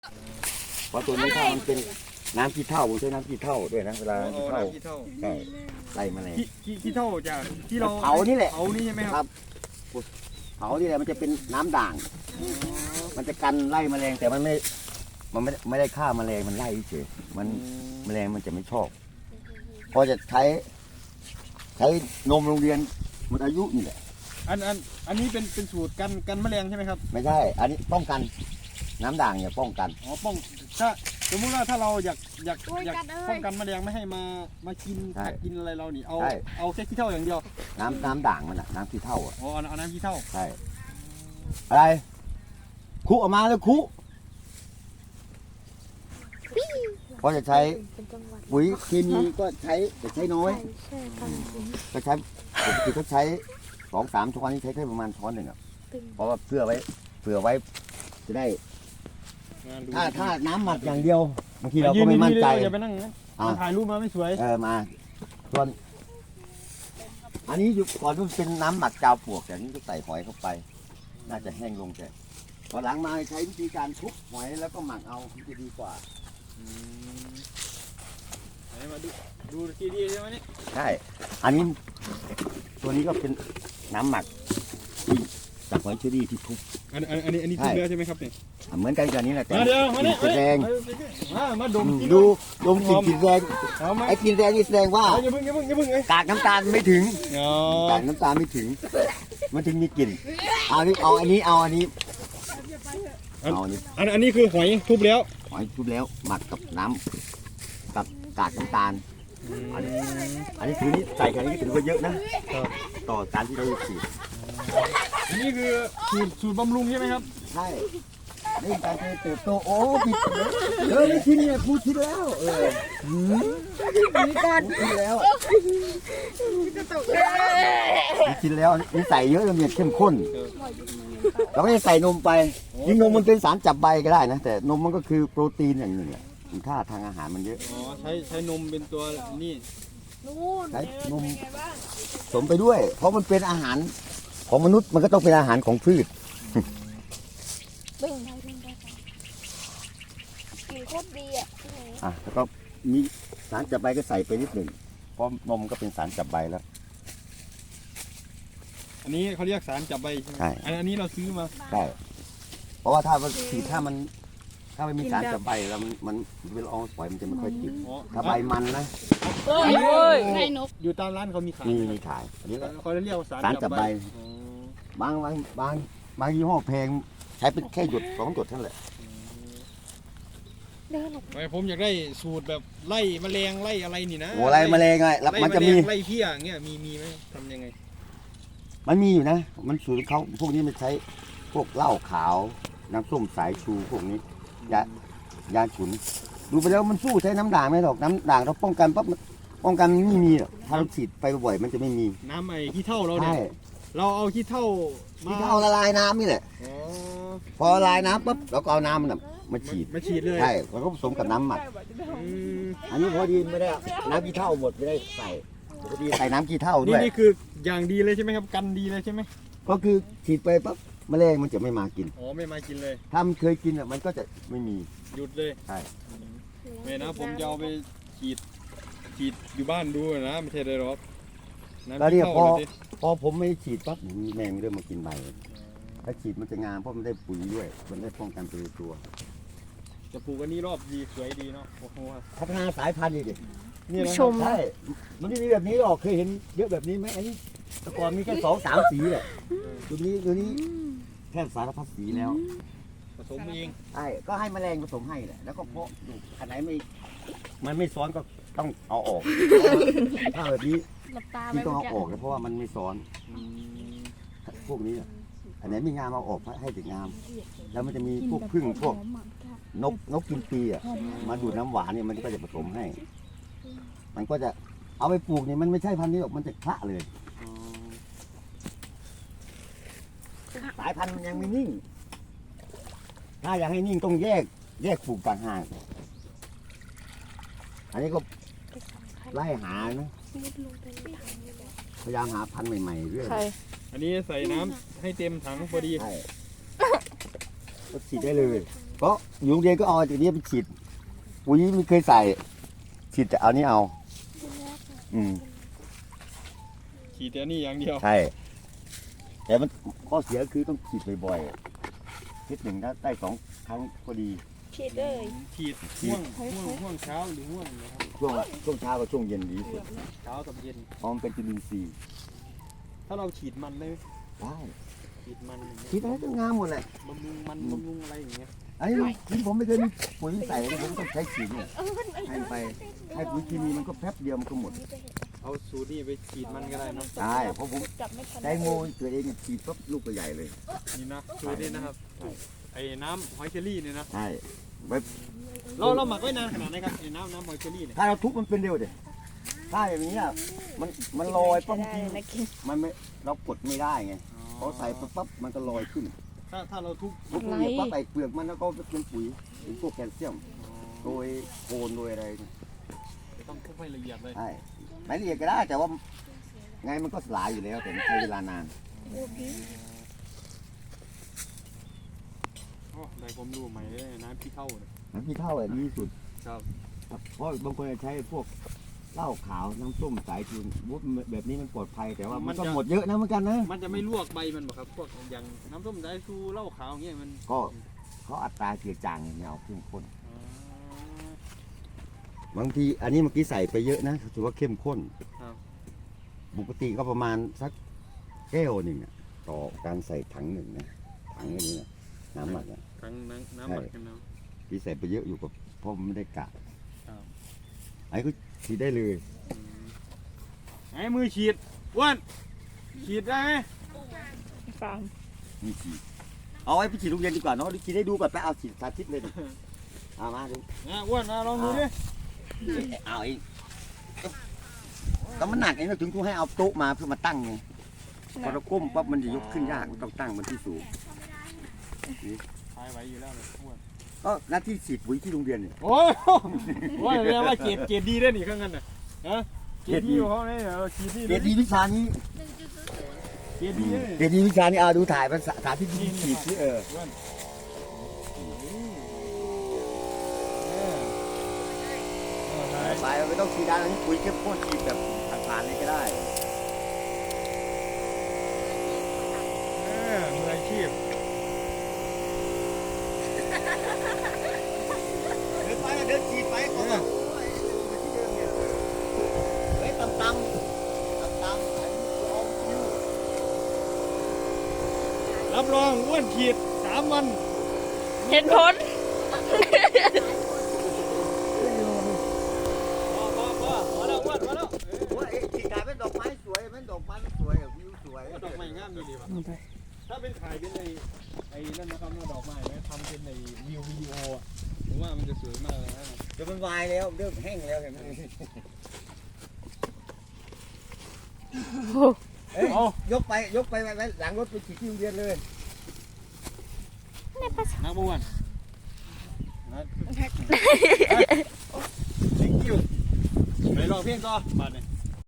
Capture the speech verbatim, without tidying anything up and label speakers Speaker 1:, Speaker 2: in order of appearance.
Speaker 1: เพราะตัวนี้ถ้ามันเป็นน้ำขี้เถ้าผมใช้น้ำขี้เถ้าด้วยนะเวลา
Speaker 2: อ๋อ
Speaker 1: ขี้เถ้า
Speaker 2: น้ำขี้เถ้า
Speaker 1: ใช่ไล่แมลง
Speaker 2: ขี้ขี้ขี้เถ้าจากที่เรา
Speaker 1: เผานี่แหละ
Speaker 2: เผานี่ใช่ไหมครับ
Speaker 1: เผานี่แหละมันจะเป็นน้ำด่าง มันจะกันไล่แมลงแต่มันไม่มันไม่ไม่ได้ฆ่าแมลงมันไล่เฉยมันแมลงมันจะไม่ชอบพอจะใช้ใช้นมโรงเรียนหมดอายุนี่แหละ
Speaker 2: อันอันอันนี้เป็นเป็นสูตรกันกันแมลงใช่ไหมครับ
Speaker 1: ไม่ใช่อันนี้ป้องกันน้ำด่างเนี่ยป้องกัน
Speaker 2: อ๋อป้องถ้าสมมติว่าถ้าเราอยากอยาก
Speaker 3: โอ้ย
Speaker 2: อยาก
Speaker 3: กัดเอ้ย
Speaker 2: ป้องกันแมลงไม่ให้มามากิน
Speaker 1: ใช่
Speaker 2: กัดกินอะไรเรานี่เอา
Speaker 1: ใช่
Speaker 2: เอาแค่ขี้เถ้าอย่างเดียว
Speaker 1: น้ำน้ำด่างมันอะน้ำขี้เถ้าอะ
Speaker 2: อ๋อเอาเอาน้ำขี้เถ้า
Speaker 1: ใช่อะไรคุออกมาแล้วคุเพราะจะใช้
Speaker 3: เป็นจังหวัด
Speaker 1: ปุ๋ยเคมีก็ใช้แต่ใช้น้อย
Speaker 3: ใช่ใช่ตอนนี้
Speaker 1: ก็ใช้ปกติก็ใช้สองสามช้อนนี่ใช้แค่ประมาณช้อนหนึ่งอ่ะ
Speaker 3: ตึง
Speaker 1: เพราะว่าเพื่อไว้เผื่อไว้จะได้
Speaker 2: งานดู
Speaker 1: ถ้าถ้าน้ำหมักอย่างเดียวบางทีเราก็ไม่มั่นใจ
Speaker 2: ยือย่าไปนั่งนะ
Speaker 1: อ่ะ
Speaker 2: มันถ่ายรูปมาไม่สวย
Speaker 1: เออมาส่วนอันนี้อยู่ก่อนมันเป็นน้ำหมักจาวปลวกแต่นี้ก็ใส่หอยเข้าไป น่าจะแห้งลงแต่พอหลังมาใช้วิธีการทุบหอยแล้วก็หมักเอามันจะดีกว่า
Speaker 2: อืมไหนมาดูดูทีดีใช่ไหมนี่
Speaker 1: ใช่ อันนี้ตัวนี้ก็เป็นน้ำหมักที่จากหอยเชอรี่ที่ทุบ
Speaker 2: อันอันอันนี้อันนี้
Speaker 1: ใช่
Speaker 2: ทุบแล้วใช่ไหมครับเนี่ย
Speaker 1: อ่ะเหมือนกันกับนี้แหละแต่
Speaker 2: มาเดี๋ยวมาเนี่ย
Speaker 1: กลิ่นแรง
Speaker 2: มามาดมกิน
Speaker 1: ดูดมกลิ่นกลิ่นแรง
Speaker 2: เอาไหม
Speaker 1: ไอ้กลิ่นแรงนี่แสดงว่า
Speaker 2: เอาอย่าเพิ่งอย่าเพิ่งอย่าเพิ่งเอ้ย
Speaker 1: กากน้ำตาลไม่ถึง
Speaker 2: อ๋อก
Speaker 1: ากน้ำตาลไม่ถึง มันถึงมีกลิ่นเอานี่เอาอันนี้เอาอันนี้เอาอันนี้
Speaker 2: อันอันนี้คือหอยทุบแล้ว
Speaker 1: หอยทุบแล้วหมักกับน้ำกับกากน้ำตาล อันนี้อันนี้ถือนี่ใส่แค่นี้ถือว่าเยอะนะต่อการที่เราฉีด
Speaker 2: อันนี้คือสูตรสูตรบำรุงใช่ไหมครับ
Speaker 1: ใช่นี่การเติบโตโอ้ผิดเลยเออไม่ชินเนี่ยพูดชินแล้วเออหืม
Speaker 3: มีก่อน
Speaker 1: ชินแล้วชินแล้วนี่ใส่เยอะแล้วเนี่ยเข้มข้น เราไม่ได้ใส่นมไปยิ่งนมมันเป็นสารจับใบก็ได้นะ แต่นมมันก็คือโปรตีนอย่างหนึ่งแหละมีค่าทางอาหารมันเยอะ
Speaker 2: อ๋อใช้ใช้นมเป็นตัวนี่
Speaker 3: นู่น
Speaker 1: ใช้นมสมไปด้วย เพราะมันเป็นอาหารของมนุษย์มันก็ต้องเป็นอาหารของพืช
Speaker 3: เบ่งได้เบ่งได้กลิ่นโคตรดีอ่ะ
Speaker 1: อ่ะแล้วก็มีสารจับใบก็ใส่ไปนิดหนึ่งเพราะนมก็เป็นสารจับใบแล้ว
Speaker 2: อันนี้เขาเรียกสารจับใบใช่ไหม
Speaker 1: ใช่
Speaker 2: อันอันนี้เราซื้อมา
Speaker 1: ใช่เพราะว่าถ้ามันคือถ้ามัน ถ้าไม่มีสารจับใบแล้วมันมันเวลาเอาปล่อยมันจะไม่ค่อยติด
Speaker 2: อ๋อ
Speaker 1: ถ้าใบมันนะ
Speaker 3: โอ้ยให้นก
Speaker 2: อยู่ตามร้านเขามีขาย
Speaker 1: มีมีขายอันนี้ก็
Speaker 2: เขาเรียกว่าสาร
Speaker 1: สารจับใบ
Speaker 2: อ๋อ
Speaker 1: บางบางบางบางยี่ห้อแพงใช้เป็นแค่หยดสองหยดเท่านั้นแหละ
Speaker 3: เดินหลบ
Speaker 2: ไม่ผมอยากได้สูตรแบบไล่แมลงไล่อะไรนี่นะ
Speaker 1: โอ้อะไรแมลงไงแล้ว
Speaker 2: ไล่
Speaker 1: มัน
Speaker 2: แม
Speaker 1: จะ
Speaker 2: ล
Speaker 1: มี
Speaker 2: งไล่เพี้ยอย่างเงี้ยมีมีไหมทำยังไง
Speaker 1: มันมีอยู่นะ มันสูตรของเขาพวกนี้มันใช้พวกเหล้าขาวน้ำส้มสายชูพวกนี้ยายาฉุน ดูไปแล้วมันสู้ใช้น้ำด่างไม่หรอกน้ำด่างเราป้องกันปั๊บมันป้องกันมันไม่มีหรอกถ้าเราฉีดไปบ่อยๆมันจะไม่มี
Speaker 2: น้ำไอ้ขี้เถ้าเราเนี่
Speaker 1: ใช่
Speaker 2: ยเราเอาขี้เถ้ามา
Speaker 1: ที่เขาละลายน้ำนี่แหละ
Speaker 2: อ๋อ
Speaker 1: พอละลายน้ำปั๊บเราก็เอาน้ำมันน่ะมาฉีด
Speaker 2: มาฉีดเลย
Speaker 1: ใช่แล้วก็ผสมกับน้ำหมัก
Speaker 2: อืม
Speaker 1: อันนี้พอดีไม่ได้น้ำขี้เถ้าหมดไม่ได้ใส่พอดีใส่น้ำขี้เถ้าด้
Speaker 2: นี่
Speaker 1: วย
Speaker 2: นี่คืออย่างดีเลยใช่ไหมครับกันดีเลยใช่ไหม
Speaker 1: ก็คือฉีดไปปั๊บแมลงมันจะไม่มากิน
Speaker 2: อ๋อไม่มากินเลย
Speaker 1: ถ้ามันเคยกินอ่ะมันก็จะไม่มี
Speaker 2: หยุดเลย
Speaker 1: ใช่
Speaker 2: ไม่นะผมจะเอาไปฉีดฉีดอยู่บ้านดูนะไม่ใช่เลยหรอกน้ำ
Speaker 1: แล้วเนี่ย
Speaker 2: ขี้
Speaker 1: พอ
Speaker 2: เถ้าเลยสิ
Speaker 1: พอผมไม่ฉีดปั๊บแมงเริ่มมากินใบถ้าฉีดมันจะงามเพราะมันได้ปุ๋ยด้วยมันได้ป้องกันตัวตัว
Speaker 2: จะปลูกอันนี้รอบดีสวยดีเนาะโอ้โห
Speaker 1: พัฒนาสายพันธุ์อีกดิ
Speaker 2: นี่นะ
Speaker 3: ชม
Speaker 1: ใช่มันไม่มีแบบนี้หรอกเคยเห็นเยอะแบบนี้ไหมอันนี้แต่ก่อนมีแค่สองสามสีแหละตัวนี้ตัวนี้แค่สารพัดสีแล้ว
Speaker 2: ผสมเอง
Speaker 1: ใช่ก็ให้แมลงผสมให้แหละแล้วก็เพาะดูอันไหนไม่มันไม่ซ้อนก็ต้องเอาออกถ้าแบบนี้
Speaker 3: หลับตาไป
Speaker 1: ที่ต้อง
Speaker 3: เมื่อ
Speaker 1: เอา
Speaker 3: กี้
Speaker 1: ออกนะเพราะว่ามันไม่ซ้อน
Speaker 2: อืม
Speaker 1: พวกนี้อะอันไหนไม่งามเอาออกให้ถึงงาม แล้วมันจะมีพวกพึ่งพวกนกนกกินปีอ่ะมาดูดน้ำหวานเนี่ยมันก็จะผสมให้ มันก็จะเอาไปปลูกเนี่ยมันไม่ใช่พันธุ์นี้หรอกมันจะคละเลย
Speaker 2: อ๋อ
Speaker 1: สายพันธุ์มันยังไม่นิ่ง ถ้าอยากให้นิ่งต้องแยก แยกปลูกต่างหากอันนี้ก็ไล่หานะพยายามหาพันธุ์ใหม่ๆเรื่อย
Speaker 3: ใคร
Speaker 2: อันนี้ใส่น้ำให้เต็มถังพอดี
Speaker 1: ใช่ก็ฉีดได้เลยก็อยู่โรงเรียนก็เอาตัวนี้ไปฉีดปุ๋ยไม่เคยใส่ฉีดแต่เอานี่เอา อืม
Speaker 2: ฉีดแต่นี่อย่างเดียว
Speaker 1: ใช่แต่มันข้อเสียคือต้องฉีดบ่อยๆอาทิตย์หนึ่งถ้าได้สองครั้งก็ดี
Speaker 3: ฉีดเลย
Speaker 2: ฉีดห่วงห่วงห่วงเช้าหรือห่วงนะครับ
Speaker 1: ช่วงละช่วงเช้ากับช่วงเย็นดีที่สุด
Speaker 2: เช้ากับเย็น
Speaker 1: เพราะมันเป็นจุลินทรีย์
Speaker 2: ถ้าเราฉีดมันได้ไหม
Speaker 1: ได้
Speaker 2: ฉีดมันอย่างเงี้ย
Speaker 1: ฉีดอะไรก็งามหมดแหละ
Speaker 2: บำรุงมันบำรุงอะไรอย่างเงี้ย
Speaker 1: ไอ้ที่ผมไม่เคยมีปุ๋ยใส่เลยผมต้องใช้ฉีดเนี่ยให้ไปให้ปุ๋ยเคมีมันก็แป๊บเดียวมันก็หมด
Speaker 2: เอาสูตรนี่ไปฉีดมันก็ได้เนาะ
Speaker 1: ใช่เพราะผม
Speaker 3: จับไม่ทัน
Speaker 1: ใช้โมตัวเองเนี่ยฉีดปั๊บลูกก็ใหญ่เลย
Speaker 2: นี่นะสูตรนี้นะครับไอ้น้ำหอยเชอรี่เนี่ยนะ
Speaker 1: ใช่ไว้
Speaker 2: เราเราหมักไว้นานขนาดไหนครับไอ้น้ำน้ำหอยเชอรี่เนี่ย
Speaker 1: ถ้าเราทุบมันเป็นเร็วเด็ถ้าอย่างนี้อ่ะมันมันลอยปั๊บ
Speaker 3: ได้นะกิน
Speaker 1: มันไม่เรากดไม่ได้ไงพอใส่ปั๊บปั๊บมันก็ลอยขึ้น
Speaker 2: ถ้าถ้าเราทุบ
Speaker 1: ทุบเนี่ยปั๊บใส่เปลือกมันแล้วก็เป็นปุ๋ยเป็นพวกแคลเซียมโดยโคนโดยอะไร
Speaker 2: ต้องทุบให้ละเอียดเลย
Speaker 1: ใช่ไม่ละเอียดก็ได้แต่ว่าไงมันก็สลายอยู่แล้วแต่มันใช้เวลานาน
Speaker 2: โอ้ได้ผมรู้ใหม่เลยน้ำพี่เข้าเนี่ย
Speaker 1: น้ำพี่เท่าเลยดีที่สุด
Speaker 2: ครับ
Speaker 1: เพราะบางคนจะใช้พวกเหล้าขาวน้ำส้มสายชูวุ้นแบบนี้มันปลอดภัยแต่ว่ามันก็หมดเยอะนะเหมือนกันนะ
Speaker 2: มันจะไม่ลวกใบมันบ่ครับพวกอย่างน้ำส้มสายชูเหล้าขาวเงี้ยมัน
Speaker 1: ก็เขาอัตราเจือจางอย่างเงี้ยเอาเข้มข้น
Speaker 2: อ๋อบ
Speaker 1: างทีอันนี้เมื่อกี้ใส่ไปเยอะนะถือว่าเข้มข้น
Speaker 2: ครับ
Speaker 1: ปกติก็ประมาณสักแก้วหนึ่งอะต่อการใส่ถังหนึ่งนะถังอันนี้นะน้ำหมักอะ
Speaker 2: ทั้งน้ำน้ำหมักกันเนาะ
Speaker 1: ที่ใส่ไปเยอะอยู่กับเพราะมันไม่ได้กะ
Speaker 2: ครับ
Speaker 1: ไอ้ก็ฉีดได้เลย
Speaker 2: อืมไอ้มือฉีดอ้วนฉีดได้ไหม
Speaker 3: ฟาร์ม
Speaker 1: นี่ฉีดเอาไว้ไปฉีดโรงเรียนดีกว่าเนาะฉีดให้ดูก่อนไปเอาฉีดสาธิตเลยดิเอามาดู
Speaker 2: นะอ้วนนะลองดูดิ
Speaker 1: เอาอีกแล้วมันหนักไงเราถึงกูให้เอาโต๊ะมาเพื่อมาตั้งไงพอเราก้มปั๊บมันจะยกขึ้นยากมันต้องตั้งมันที่สูง
Speaker 2: ทายไหวอยู่แล้วเลยอ้วน
Speaker 1: ก็หน้าที่ฉีดปุ๋ยที่โรงเรียนเนี่ย
Speaker 2: โอ้ยโอ้ยเรียกว่าเกรดเกรดดีได้หนิข้างนั้นน่ะฮะเกรดดีของเขาเนี่ยเราฉีดนี่
Speaker 1: เกรดดีวิชานี้
Speaker 2: เกรดดีเลย
Speaker 1: เกรดดีวิชานี้เอาดูถ่ายภาษาสาธิตที่ฉีดที่เออ
Speaker 2: อ้วนเออ
Speaker 1: ไปไม่ต้องฉีดด้านนี้ปุ๋ยเข้มข้นฉีดแบบผ่านๆเลยก็ได้
Speaker 2: เออมืออาชีพ
Speaker 1: เดินไปเดินฉีดไปก่อนเฮ้ยตำตำตำตำไอ้ลองคิว
Speaker 2: รับรองอ้วนขีดสามวัน
Speaker 3: เห็นผล
Speaker 2: พอพอพอพอแล้วอ้วนพอแล้ว
Speaker 1: ว่าไอ้ฉีดกลายเป็นดอกไม้สวยเป็นดอกไม้สวยวิวสวย
Speaker 2: ดอกไม้งามมีดีป่ะถ้าเป็นขายเป็นในไอ้นั่นนะครับดอกไม้ไหมทำเป็นในวิววิดีโออ่ะผมว่ามันจะสวยมากเลยนะ
Speaker 1: จะเป็นวายแล้วเริ่มแห้งแล้วเห็นไหมเอ้ยยกไปยกไปไว้หลังรถไปฉีดที่โรงเรียนเลย
Speaker 2: นักบวชนะ ไปลองเพลงต่อบัดเนี่ย